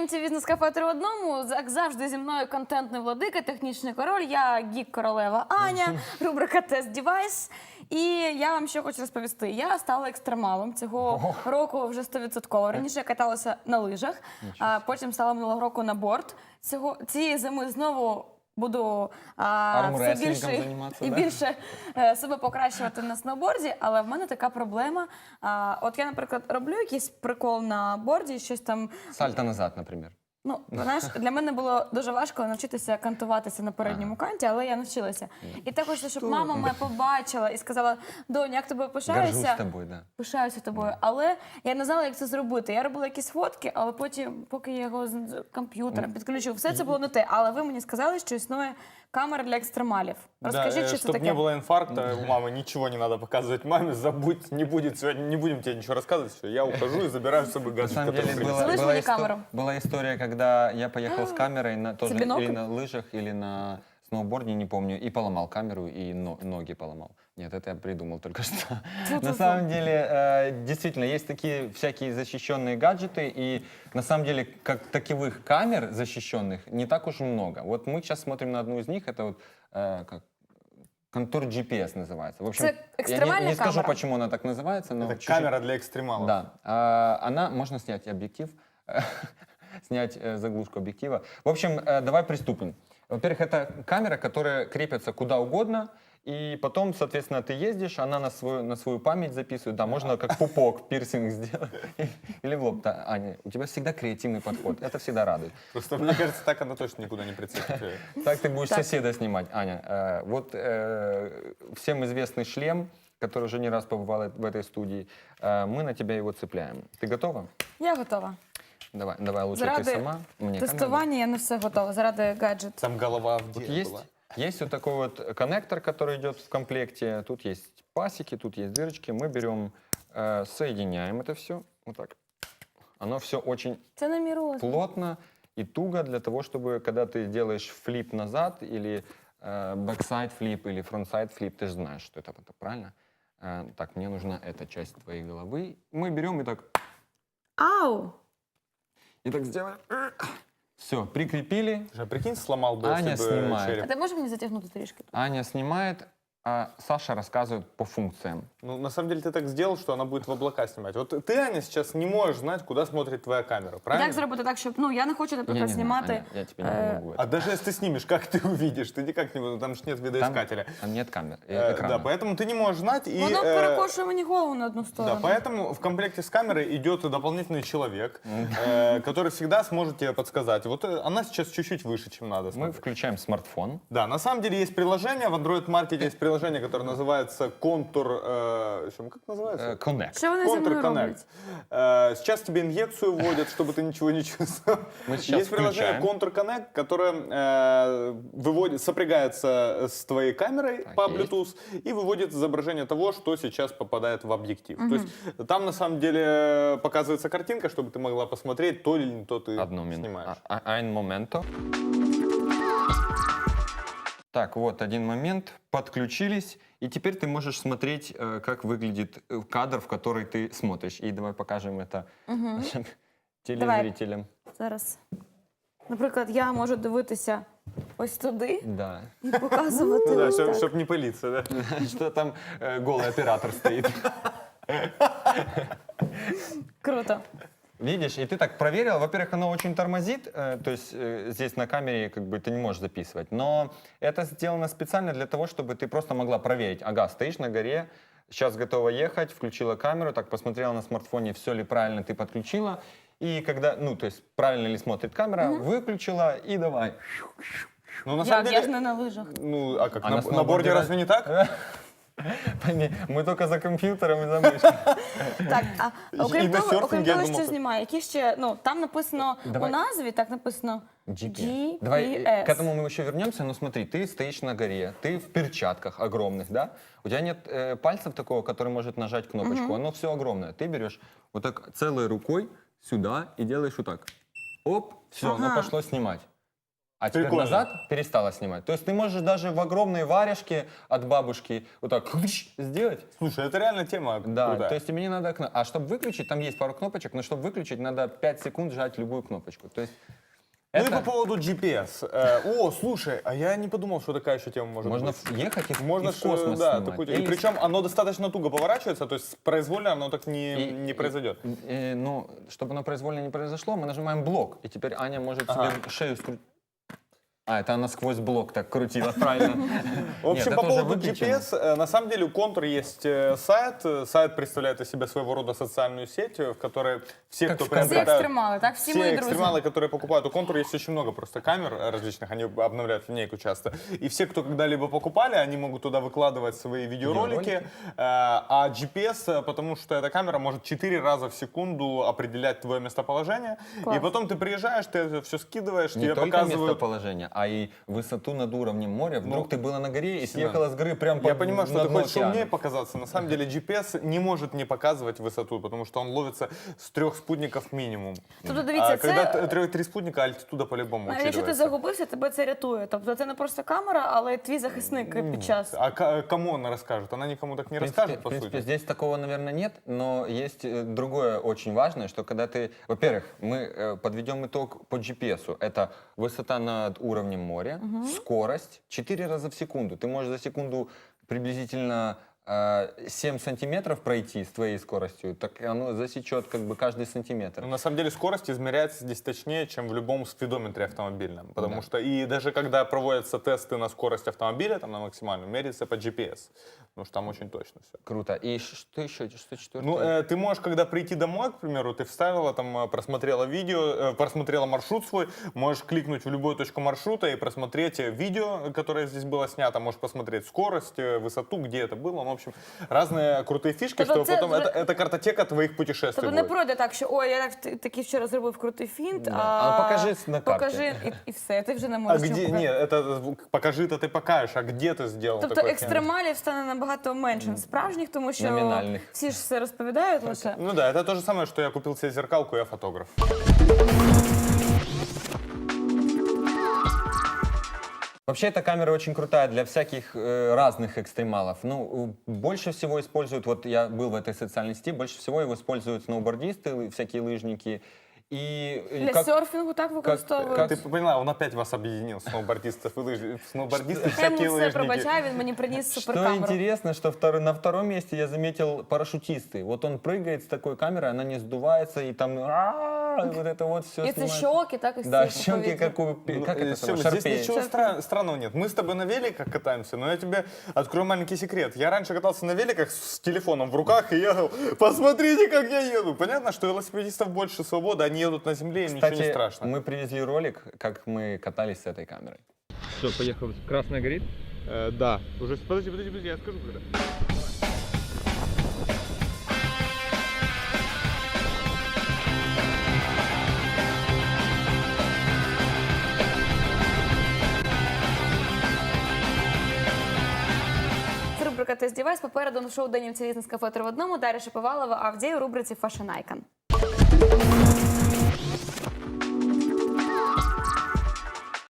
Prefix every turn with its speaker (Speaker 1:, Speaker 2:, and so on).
Speaker 1: івенті «Бізнес-кафе 3 в одному». Як завжди, зі мною контентний владика, технічний король, я гік-королева Аня, рубрика «Тест-девайс». І я вам що хочу розповісти. Я стала екстремалом цього року вже 100%. Раніше я каталася на лижах, а потім стала минулого року на борд. Цієї зими знову буду все більше і більше себе покращувати на сноуборді, але в мене така проблема. От я, наприклад, роблю якийсь прикол на борді, щось там...
Speaker 2: Сальто назад, наприклад.
Speaker 1: Ну, знаєш, для мене було дуже важко навчитися кантуватися на передньому канті, але я навчилася. І так хочеться, щоб мама мене побачила і сказала: «Донь, як тобою пишаюся».
Speaker 2: Горжусь тобою, да.
Speaker 1: Пишаюся тобою. Але я не знала, як це зробити. Я робила якісь фотки, але потім, поки я його з комп'ютером підключив, все це було не те. Але ви мені сказали, що існує камера для екстремалів. Розкажіть, що це таке.
Speaker 3: Чтобы не было инфаркта у мамы, ничего не надо показывать маме, забудь, не будет сегодня, не будем тебе ничего рассказывать, все, я ухожу и забираю с собой
Speaker 2: На
Speaker 3: гаджет,
Speaker 2: самом деле
Speaker 3: который принесла.
Speaker 1: Слышь, мне камеру.
Speaker 2: была история, когда я поехал с камерой тоже
Speaker 1: бинокль?
Speaker 2: или на лыжах, или на сноуборде, не помню, и поломал камеру, и ноги поломал. Нет, это я придумал только что. На самом деле, действительно, есть такие всякие защищенные гаджеты, и на самом деле, как таковых камер защищенных не так уж и много. Вот мы сейчас смотрим на одну из них, это вот как контур GPS называется. В общем,
Speaker 1: Это экстремальная
Speaker 2: я не скажу,
Speaker 1: камера?
Speaker 2: почему она так называется, но
Speaker 3: Это
Speaker 2: чуть-чуть-
Speaker 3: камера для экстремалов.
Speaker 2: Да, она, можно снять объектив, снять заглушку объектива. В общем, давай приступим. Во-первых, это камера, которая крепится куда угодно, и потом, соответственно, ты ездишь, она на свою память записывает. Да, можно как пупок, пирсинг сделать. Или в лоб. Да, Аня, у тебя всегда креативный подход. Это всегда радует.
Speaker 3: Просто, мне кажется, так она точно никуда не прицепит.
Speaker 2: Так ты будешь соседа снимать. Аня, вот всем известный шлем, который уже не раз побывал в этой студии, мы на тебя его цепляем. Ты готова?
Speaker 1: Я готова.
Speaker 2: Давай лучше ты
Speaker 1: Заради
Speaker 2: сама. Мне камеру.
Speaker 1: тестування я не все готова, заради гаджету.
Speaker 3: Там голова в
Speaker 2: Вот
Speaker 3: деле
Speaker 2: есть,
Speaker 3: была.
Speaker 2: есть вот такой вот коннектор, который идет в комплекте. Тут есть пасеки, тут есть дырочки. Мы берем, соединяем это все. Вот так. Оно все очень
Speaker 1: Це не мій розмір.
Speaker 2: плотно и туго для того, чтобы, когда ты делаешь флип назад или бэксайд флип или фронтсайд флип, ты же знаешь, что это правильно? Так, мне нужна эта часть твоей головы. Мы берем и так
Speaker 1: Ау!
Speaker 2: сделаем. Все, прикрепили.
Speaker 3: Слушай, а прикинь, сломал бы
Speaker 2: Аня
Speaker 3: себе
Speaker 2: снимает.
Speaker 1: А
Speaker 3: череп.
Speaker 1: ти можеш мені затягнути трішки?
Speaker 2: Аня снимает, а Саша рассказывает по функциям.
Speaker 3: Ну, на самом деле, ты так сделал, что она будет в облака снимать. Вот ты, Аня, сейчас не можешь знать, куда смотрит твоя камера, правильно?
Speaker 1: Як зробити так, щоб... Ну, я не хочу, наприклад,
Speaker 2: Не-не-не,
Speaker 1: знімати...
Speaker 2: Аня, я тебе не помогу.
Speaker 3: А даже если ты снимешь, как ты увидишь? Ты никак не... Там же нет видоискателя.
Speaker 2: Там нет камер,
Speaker 3: Да,
Speaker 2: экрана.
Speaker 3: поэтому ты не можешь знать. И,
Speaker 1: Воно перекошує мені голову на одну
Speaker 3: да,
Speaker 1: сторону.
Speaker 3: поэтому в комплекте с камерой идет дополнительный человек, который всегда сможет тебе подсказать. Вот она сейчас чуть-чуть выше, чем надо.
Speaker 2: Мы
Speaker 3: смотри.
Speaker 2: включаем смартфон.
Speaker 3: Да, на самом деле есть приложение, в Android-маркете есть приложение, которое называется Contour... как называется?
Speaker 2: Connect.
Speaker 1: Що вони зі мною
Speaker 3: Contour
Speaker 1: роблять?
Speaker 3: Connect. Сейчас тебе инъекцию вводят, чтобы ты ничего не чувствовал.
Speaker 2: Мы сейчас
Speaker 3: Есть приложение
Speaker 2: включаем.
Speaker 3: Contour Connect, которое сопрягается с твоей камерой
Speaker 2: Так,
Speaker 3: по
Speaker 2: есть.
Speaker 3: Bluetooth и выводит изображение того, что сейчас попадает в объектив. То есть там на самом деле показывается картинка, чтобы ты могла посмотреть, то или не то ты
Speaker 2: Одну минуту.
Speaker 3: снимаешь.
Speaker 2: Ein момento. Так, вот один момент. Подключились. И теперь ты можешь смотреть, как выглядит кадр, в который ты смотришь. И давай покажем это нашим телезрителям.
Speaker 1: Зараз. Наприклад, я можу дивитися ось туди
Speaker 2: Да.
Speaker 1: і показувати
Speaker 3: Ну да,
Speaker 1: ось так.
Speaker 3: чтобы не пылиться, да?
Speaker 2: Что там голый оператор стоит.
Speaker 1: Круто.
Speaker 2: Видишь, и ты так проверил. Во-первых, оно очень тормозит, то есть здесь на камере как бы ты не можешь записывать. Но это сделано специально для того, чтобы ты просто могла проверить. Ага, стоишь на горе, сейчас готова ехать, включила камеру, так посмотрела на смартфоне, все ли правильно ты подключила. И когда, ну, то есть правильно ли смотрит камера, выключила и давай.
Speaker 3: Ну, на самом
Speaker 1: Як? Я ж
Speaker 3: деле,
Speaker 1: не на лижах.
Speaker 3: ну, а как,
Speaker 2: А
Speaker 3: на
Speaker 2: на
Speaker 3: борде
Speaker 2: сноуборде
Speaker 3: разве не так?
Speaker 2: Мы только за компьютером и за мышкой.
Speaker 1: Так,
Speaker 3: І
Speaker 1: окрім
Speaker 3: на
Speaker 1: того,
Speaker 3: серфінгі, я
Speaker 1: що
Speaker 3: думав,
Speaker 1: знімає, які ще, ну, там написано
Speaker 2: Давай.
Speaker 1: у назві, так написано
Speaker 2: GPS. Давай к этому мы еще вернемся, но смотри, ты стоишь на горе, ты в перчатках огромных, да? У тебя нет пальцев такого, который может нажать кнопочку, оно все огромное. Ты берешь вот так целой рукой сюда и делаешь вот так. Оп, все, оно
Speaker 1: Ага.
Speaker 2: пошло снимать. А теперь
Speaker 3: Прикольно.
Speaker 2: назад перестала снимать. То есть ты можешь даже в огромной варежке от бабушки вот так сделать.
Speaker 3: Слушай, это реально тема
Speaker 2: Да,
Speaker 3: крутая.
Speaker 2: то есть тебе не надо... А чтобы выключить, там есть пару кнопочек, но чтобы выключить, надо 5 секунд жать любую кнопочку. То есть
Speaker 3: Ну и
Speaker 2: это
Speaker 3: по поводу GPS. О, слушай, а я не подумал, что такая еще тема может
Speaker 2: можно
Speaker 3: быть.
Speaker 2: ехать и в
Speaker 3: Можно
Speaker 2: в космос
Speaker 3: да,
Speaker 2: снимать.
Speaker 3: такую, и
Speaker 2: Или-
Speaker 3: причем оно достаточно туго поворачивается, то есть произвольно оно так не произойдет.
Speaker 2: Ну, чтобы оно произвольно не произошло, мы нажимаем блок, и теперь Аня может себе шею скрутить. А, это она сквозь блок так крутила, правильно.
Speaker 3: В общем,
Speaker 2: Нет,
Speaker 3: по
Speaker 2: это уже
Speaker 3: поводу
Speaker 2: выключено.
Speaker 3: GPS, на самом деле у Контур есть сайт. Сайт представляет из себя своего рода социальную сеть, в которой все,
Speaker 2: Как
Speaker 3: кто
Speaker 2: в ВКонтакте.
Speaker 1: Всі
Speaker 3: приобретают...
Speaker 1: екстремали, так? Всі мої
Speaker 3: Все
Speaker 1: друзі.
Speaker 3: экстремалы, которые покупают у Контур, есть очень много просто камер различных, они обновляют линейку часто. И все, кто когда-либо покупали, они могут туда выкладывать свои видеоролики. А GPS, потому что эта камера может 4 раза в секунду определять твое местоположение.
Speaker 1: Класс.
Speaker 3: И потом ты приезжаешь, ты это все скидываешь,
Speaker 2: Не
Speaker 3: тебе
Speaker 2: только
Speaker 3: показывают...
Speaker 2: местоположение, а и высоту над уровнем моря. Вдруг ты была на горе и
Speaker 3: Семен,
Speaker 2: съехала с горы прям
Speaker 3: Я понимаю, что
Speaker 2: на
Speaker 3: ты
Speaker 2: дно
Speaker 3: хочешь
Speaker 2: океана.
Speaker 3: умнее показаться. На самом деле GPS не может не показывать высоту, потому что он ловится с 3 спутников минимум.
Speaker 1: Тобто, дивіться,
Speaker 3: А когда
Speaker 1: це...
Speaker 3: 3 спутника, альтитуда по-любому
Speaker 1: Якщо ти
Speaker 3: учитывается.
Speaker 1: загубився, тебе це рятує. Тобто це не просто камера, але й твій захисник під час.
Speaker 3: А кому она расскажет? Она никому так не
Speaker 2: В принципе,
Speaker 3: расскажет, по
Speaker 2: в принципе,
Speaker 3: сути.
Speaker 2: здесь такого, наверное, нет, но есть другое очень важное, что когда ты, во-первых, мы подведем итог по GPS. Это высота над уровнем моря, скорость 4 раза в секунду. Ты можешь за секунду приблизительно 7 сантиметров пройти с твоей скоростью, так оно засечет как бы каждый сантиметр.
Speaker 3: Но на самом деле скорость измеряется здесь точнее, чем в любом спидометре автомобильном. Потому
Speaker 2: Да.
Speaker 3: что и даже когда проводятся тесты на скорость автомобиля, там на максимальную, меряется по GPS. Потому что там очень точно все.
Speaker 2: Круто. И что еще? Что четвертое?
Speaker 3: Ну, ты можешь, когда прийти домой, к примеру, ты вставила, там, просмотрела видео, просмотрела маршрут свой, можешь кликнуть в любую точку маршрута и просмотреть видео, которое здесь было снято, можешь посмотреть скорость, высоту, где это было. Ну, в общем, разные крутые фишки,
Speaker 1: Тобто
Speaker 3: что
Speaker 1: це
Speaker 3: потом...
Speaker 1: вже-
Speaker 3: Это картотека твоих путешествий
Speaker 1: Тобто не
Speaker 3: будет.
Speaker 1: пройде так, що ой, я такий вчора зробив крутий фінт,
Speaker 2: Да. А покажи на карті.
Speaker 1: покажи і все, ти вже не
Speaker 3: А
Speaker 1: можеш.
Speaker 3: где...
Speaker 1: нічого показати.
Speaker 3: Нет, это покажи, это ты покажешь, а где ты сделал
Speaker 1: Тобто
Speaker 3: такой
Speaker 1: екстремалів стане набагато менше справжніх, тому що
Speaker 2: Номінальних.
Speaker 1: всі ж все розповідають лише.
Speaker 3: Ну да, это то же самое, что я купил себе зеркалку, я фотограф.
Speaker 2: Вообще эта камера очень крутая для всяких разных экстремалов. Ну, больше всего используют, вот я был в этой социальной сети, больше всего его используют сноубордисты, всякие лыжники. И
Speaker 1: Для
Speaker 2: как-
Speaker 1: серфінгу так використовують.
Speaker 2: как-
Speaker 3: Ты поняла, он опять вас объединил, сноубордистов и сноубордисты,
Speaker 1: Я
Speaker 3: всякие
Speaker 1: йому все
Speaker 3: лыжники.
Speaker 1: пробачаю, він мені приніс
Speaker 2: Что
Speaker 1: суперкамеру.
Speaker 2: интересно, что на втором месте я заметил парашютисты. Вот он прыгает с такой камерой, она не сдувается, и там вот это вот все
Speaker 1: І це щоки, так і
Speaker 2: Да,
Speaker 1: всі
Speaker 2: щеки,
Speaker 1: повітря.
Speaker 2: как у...
Speaker 3: Ну,
Speaker 2: Как это
Speaker 3: Сёма,
Speaker 2: самое?
Speaker 3: здесь
Speaker 2: Шарпея.
Speaker 3: ничего странного нет. Мы с тобой на великах катаемся, но я тебе открою маленький секрет. Я раньше катался на великах с телефоном в руках и ехал. Посмотрите, как я еду. Понятно, что у велосипедистов больше свободы, они едут на земле, им ничего не
Speaker 2: Кстати,
Speaker 3: страшно.
Speaker 2: мы привезли ролик, как мы катались с этой камерой. Все, поехал. Красная горит?
Speaker 3: Да. Уже подожди, я скажу когда.
Speaker 1: Це рубрика «Тест Дівайс». Попереду шоу «Денім Цілізна з кафе 3 в одному». Дар'я Шаповалова, Авдій у рубриці «Fashion Icon».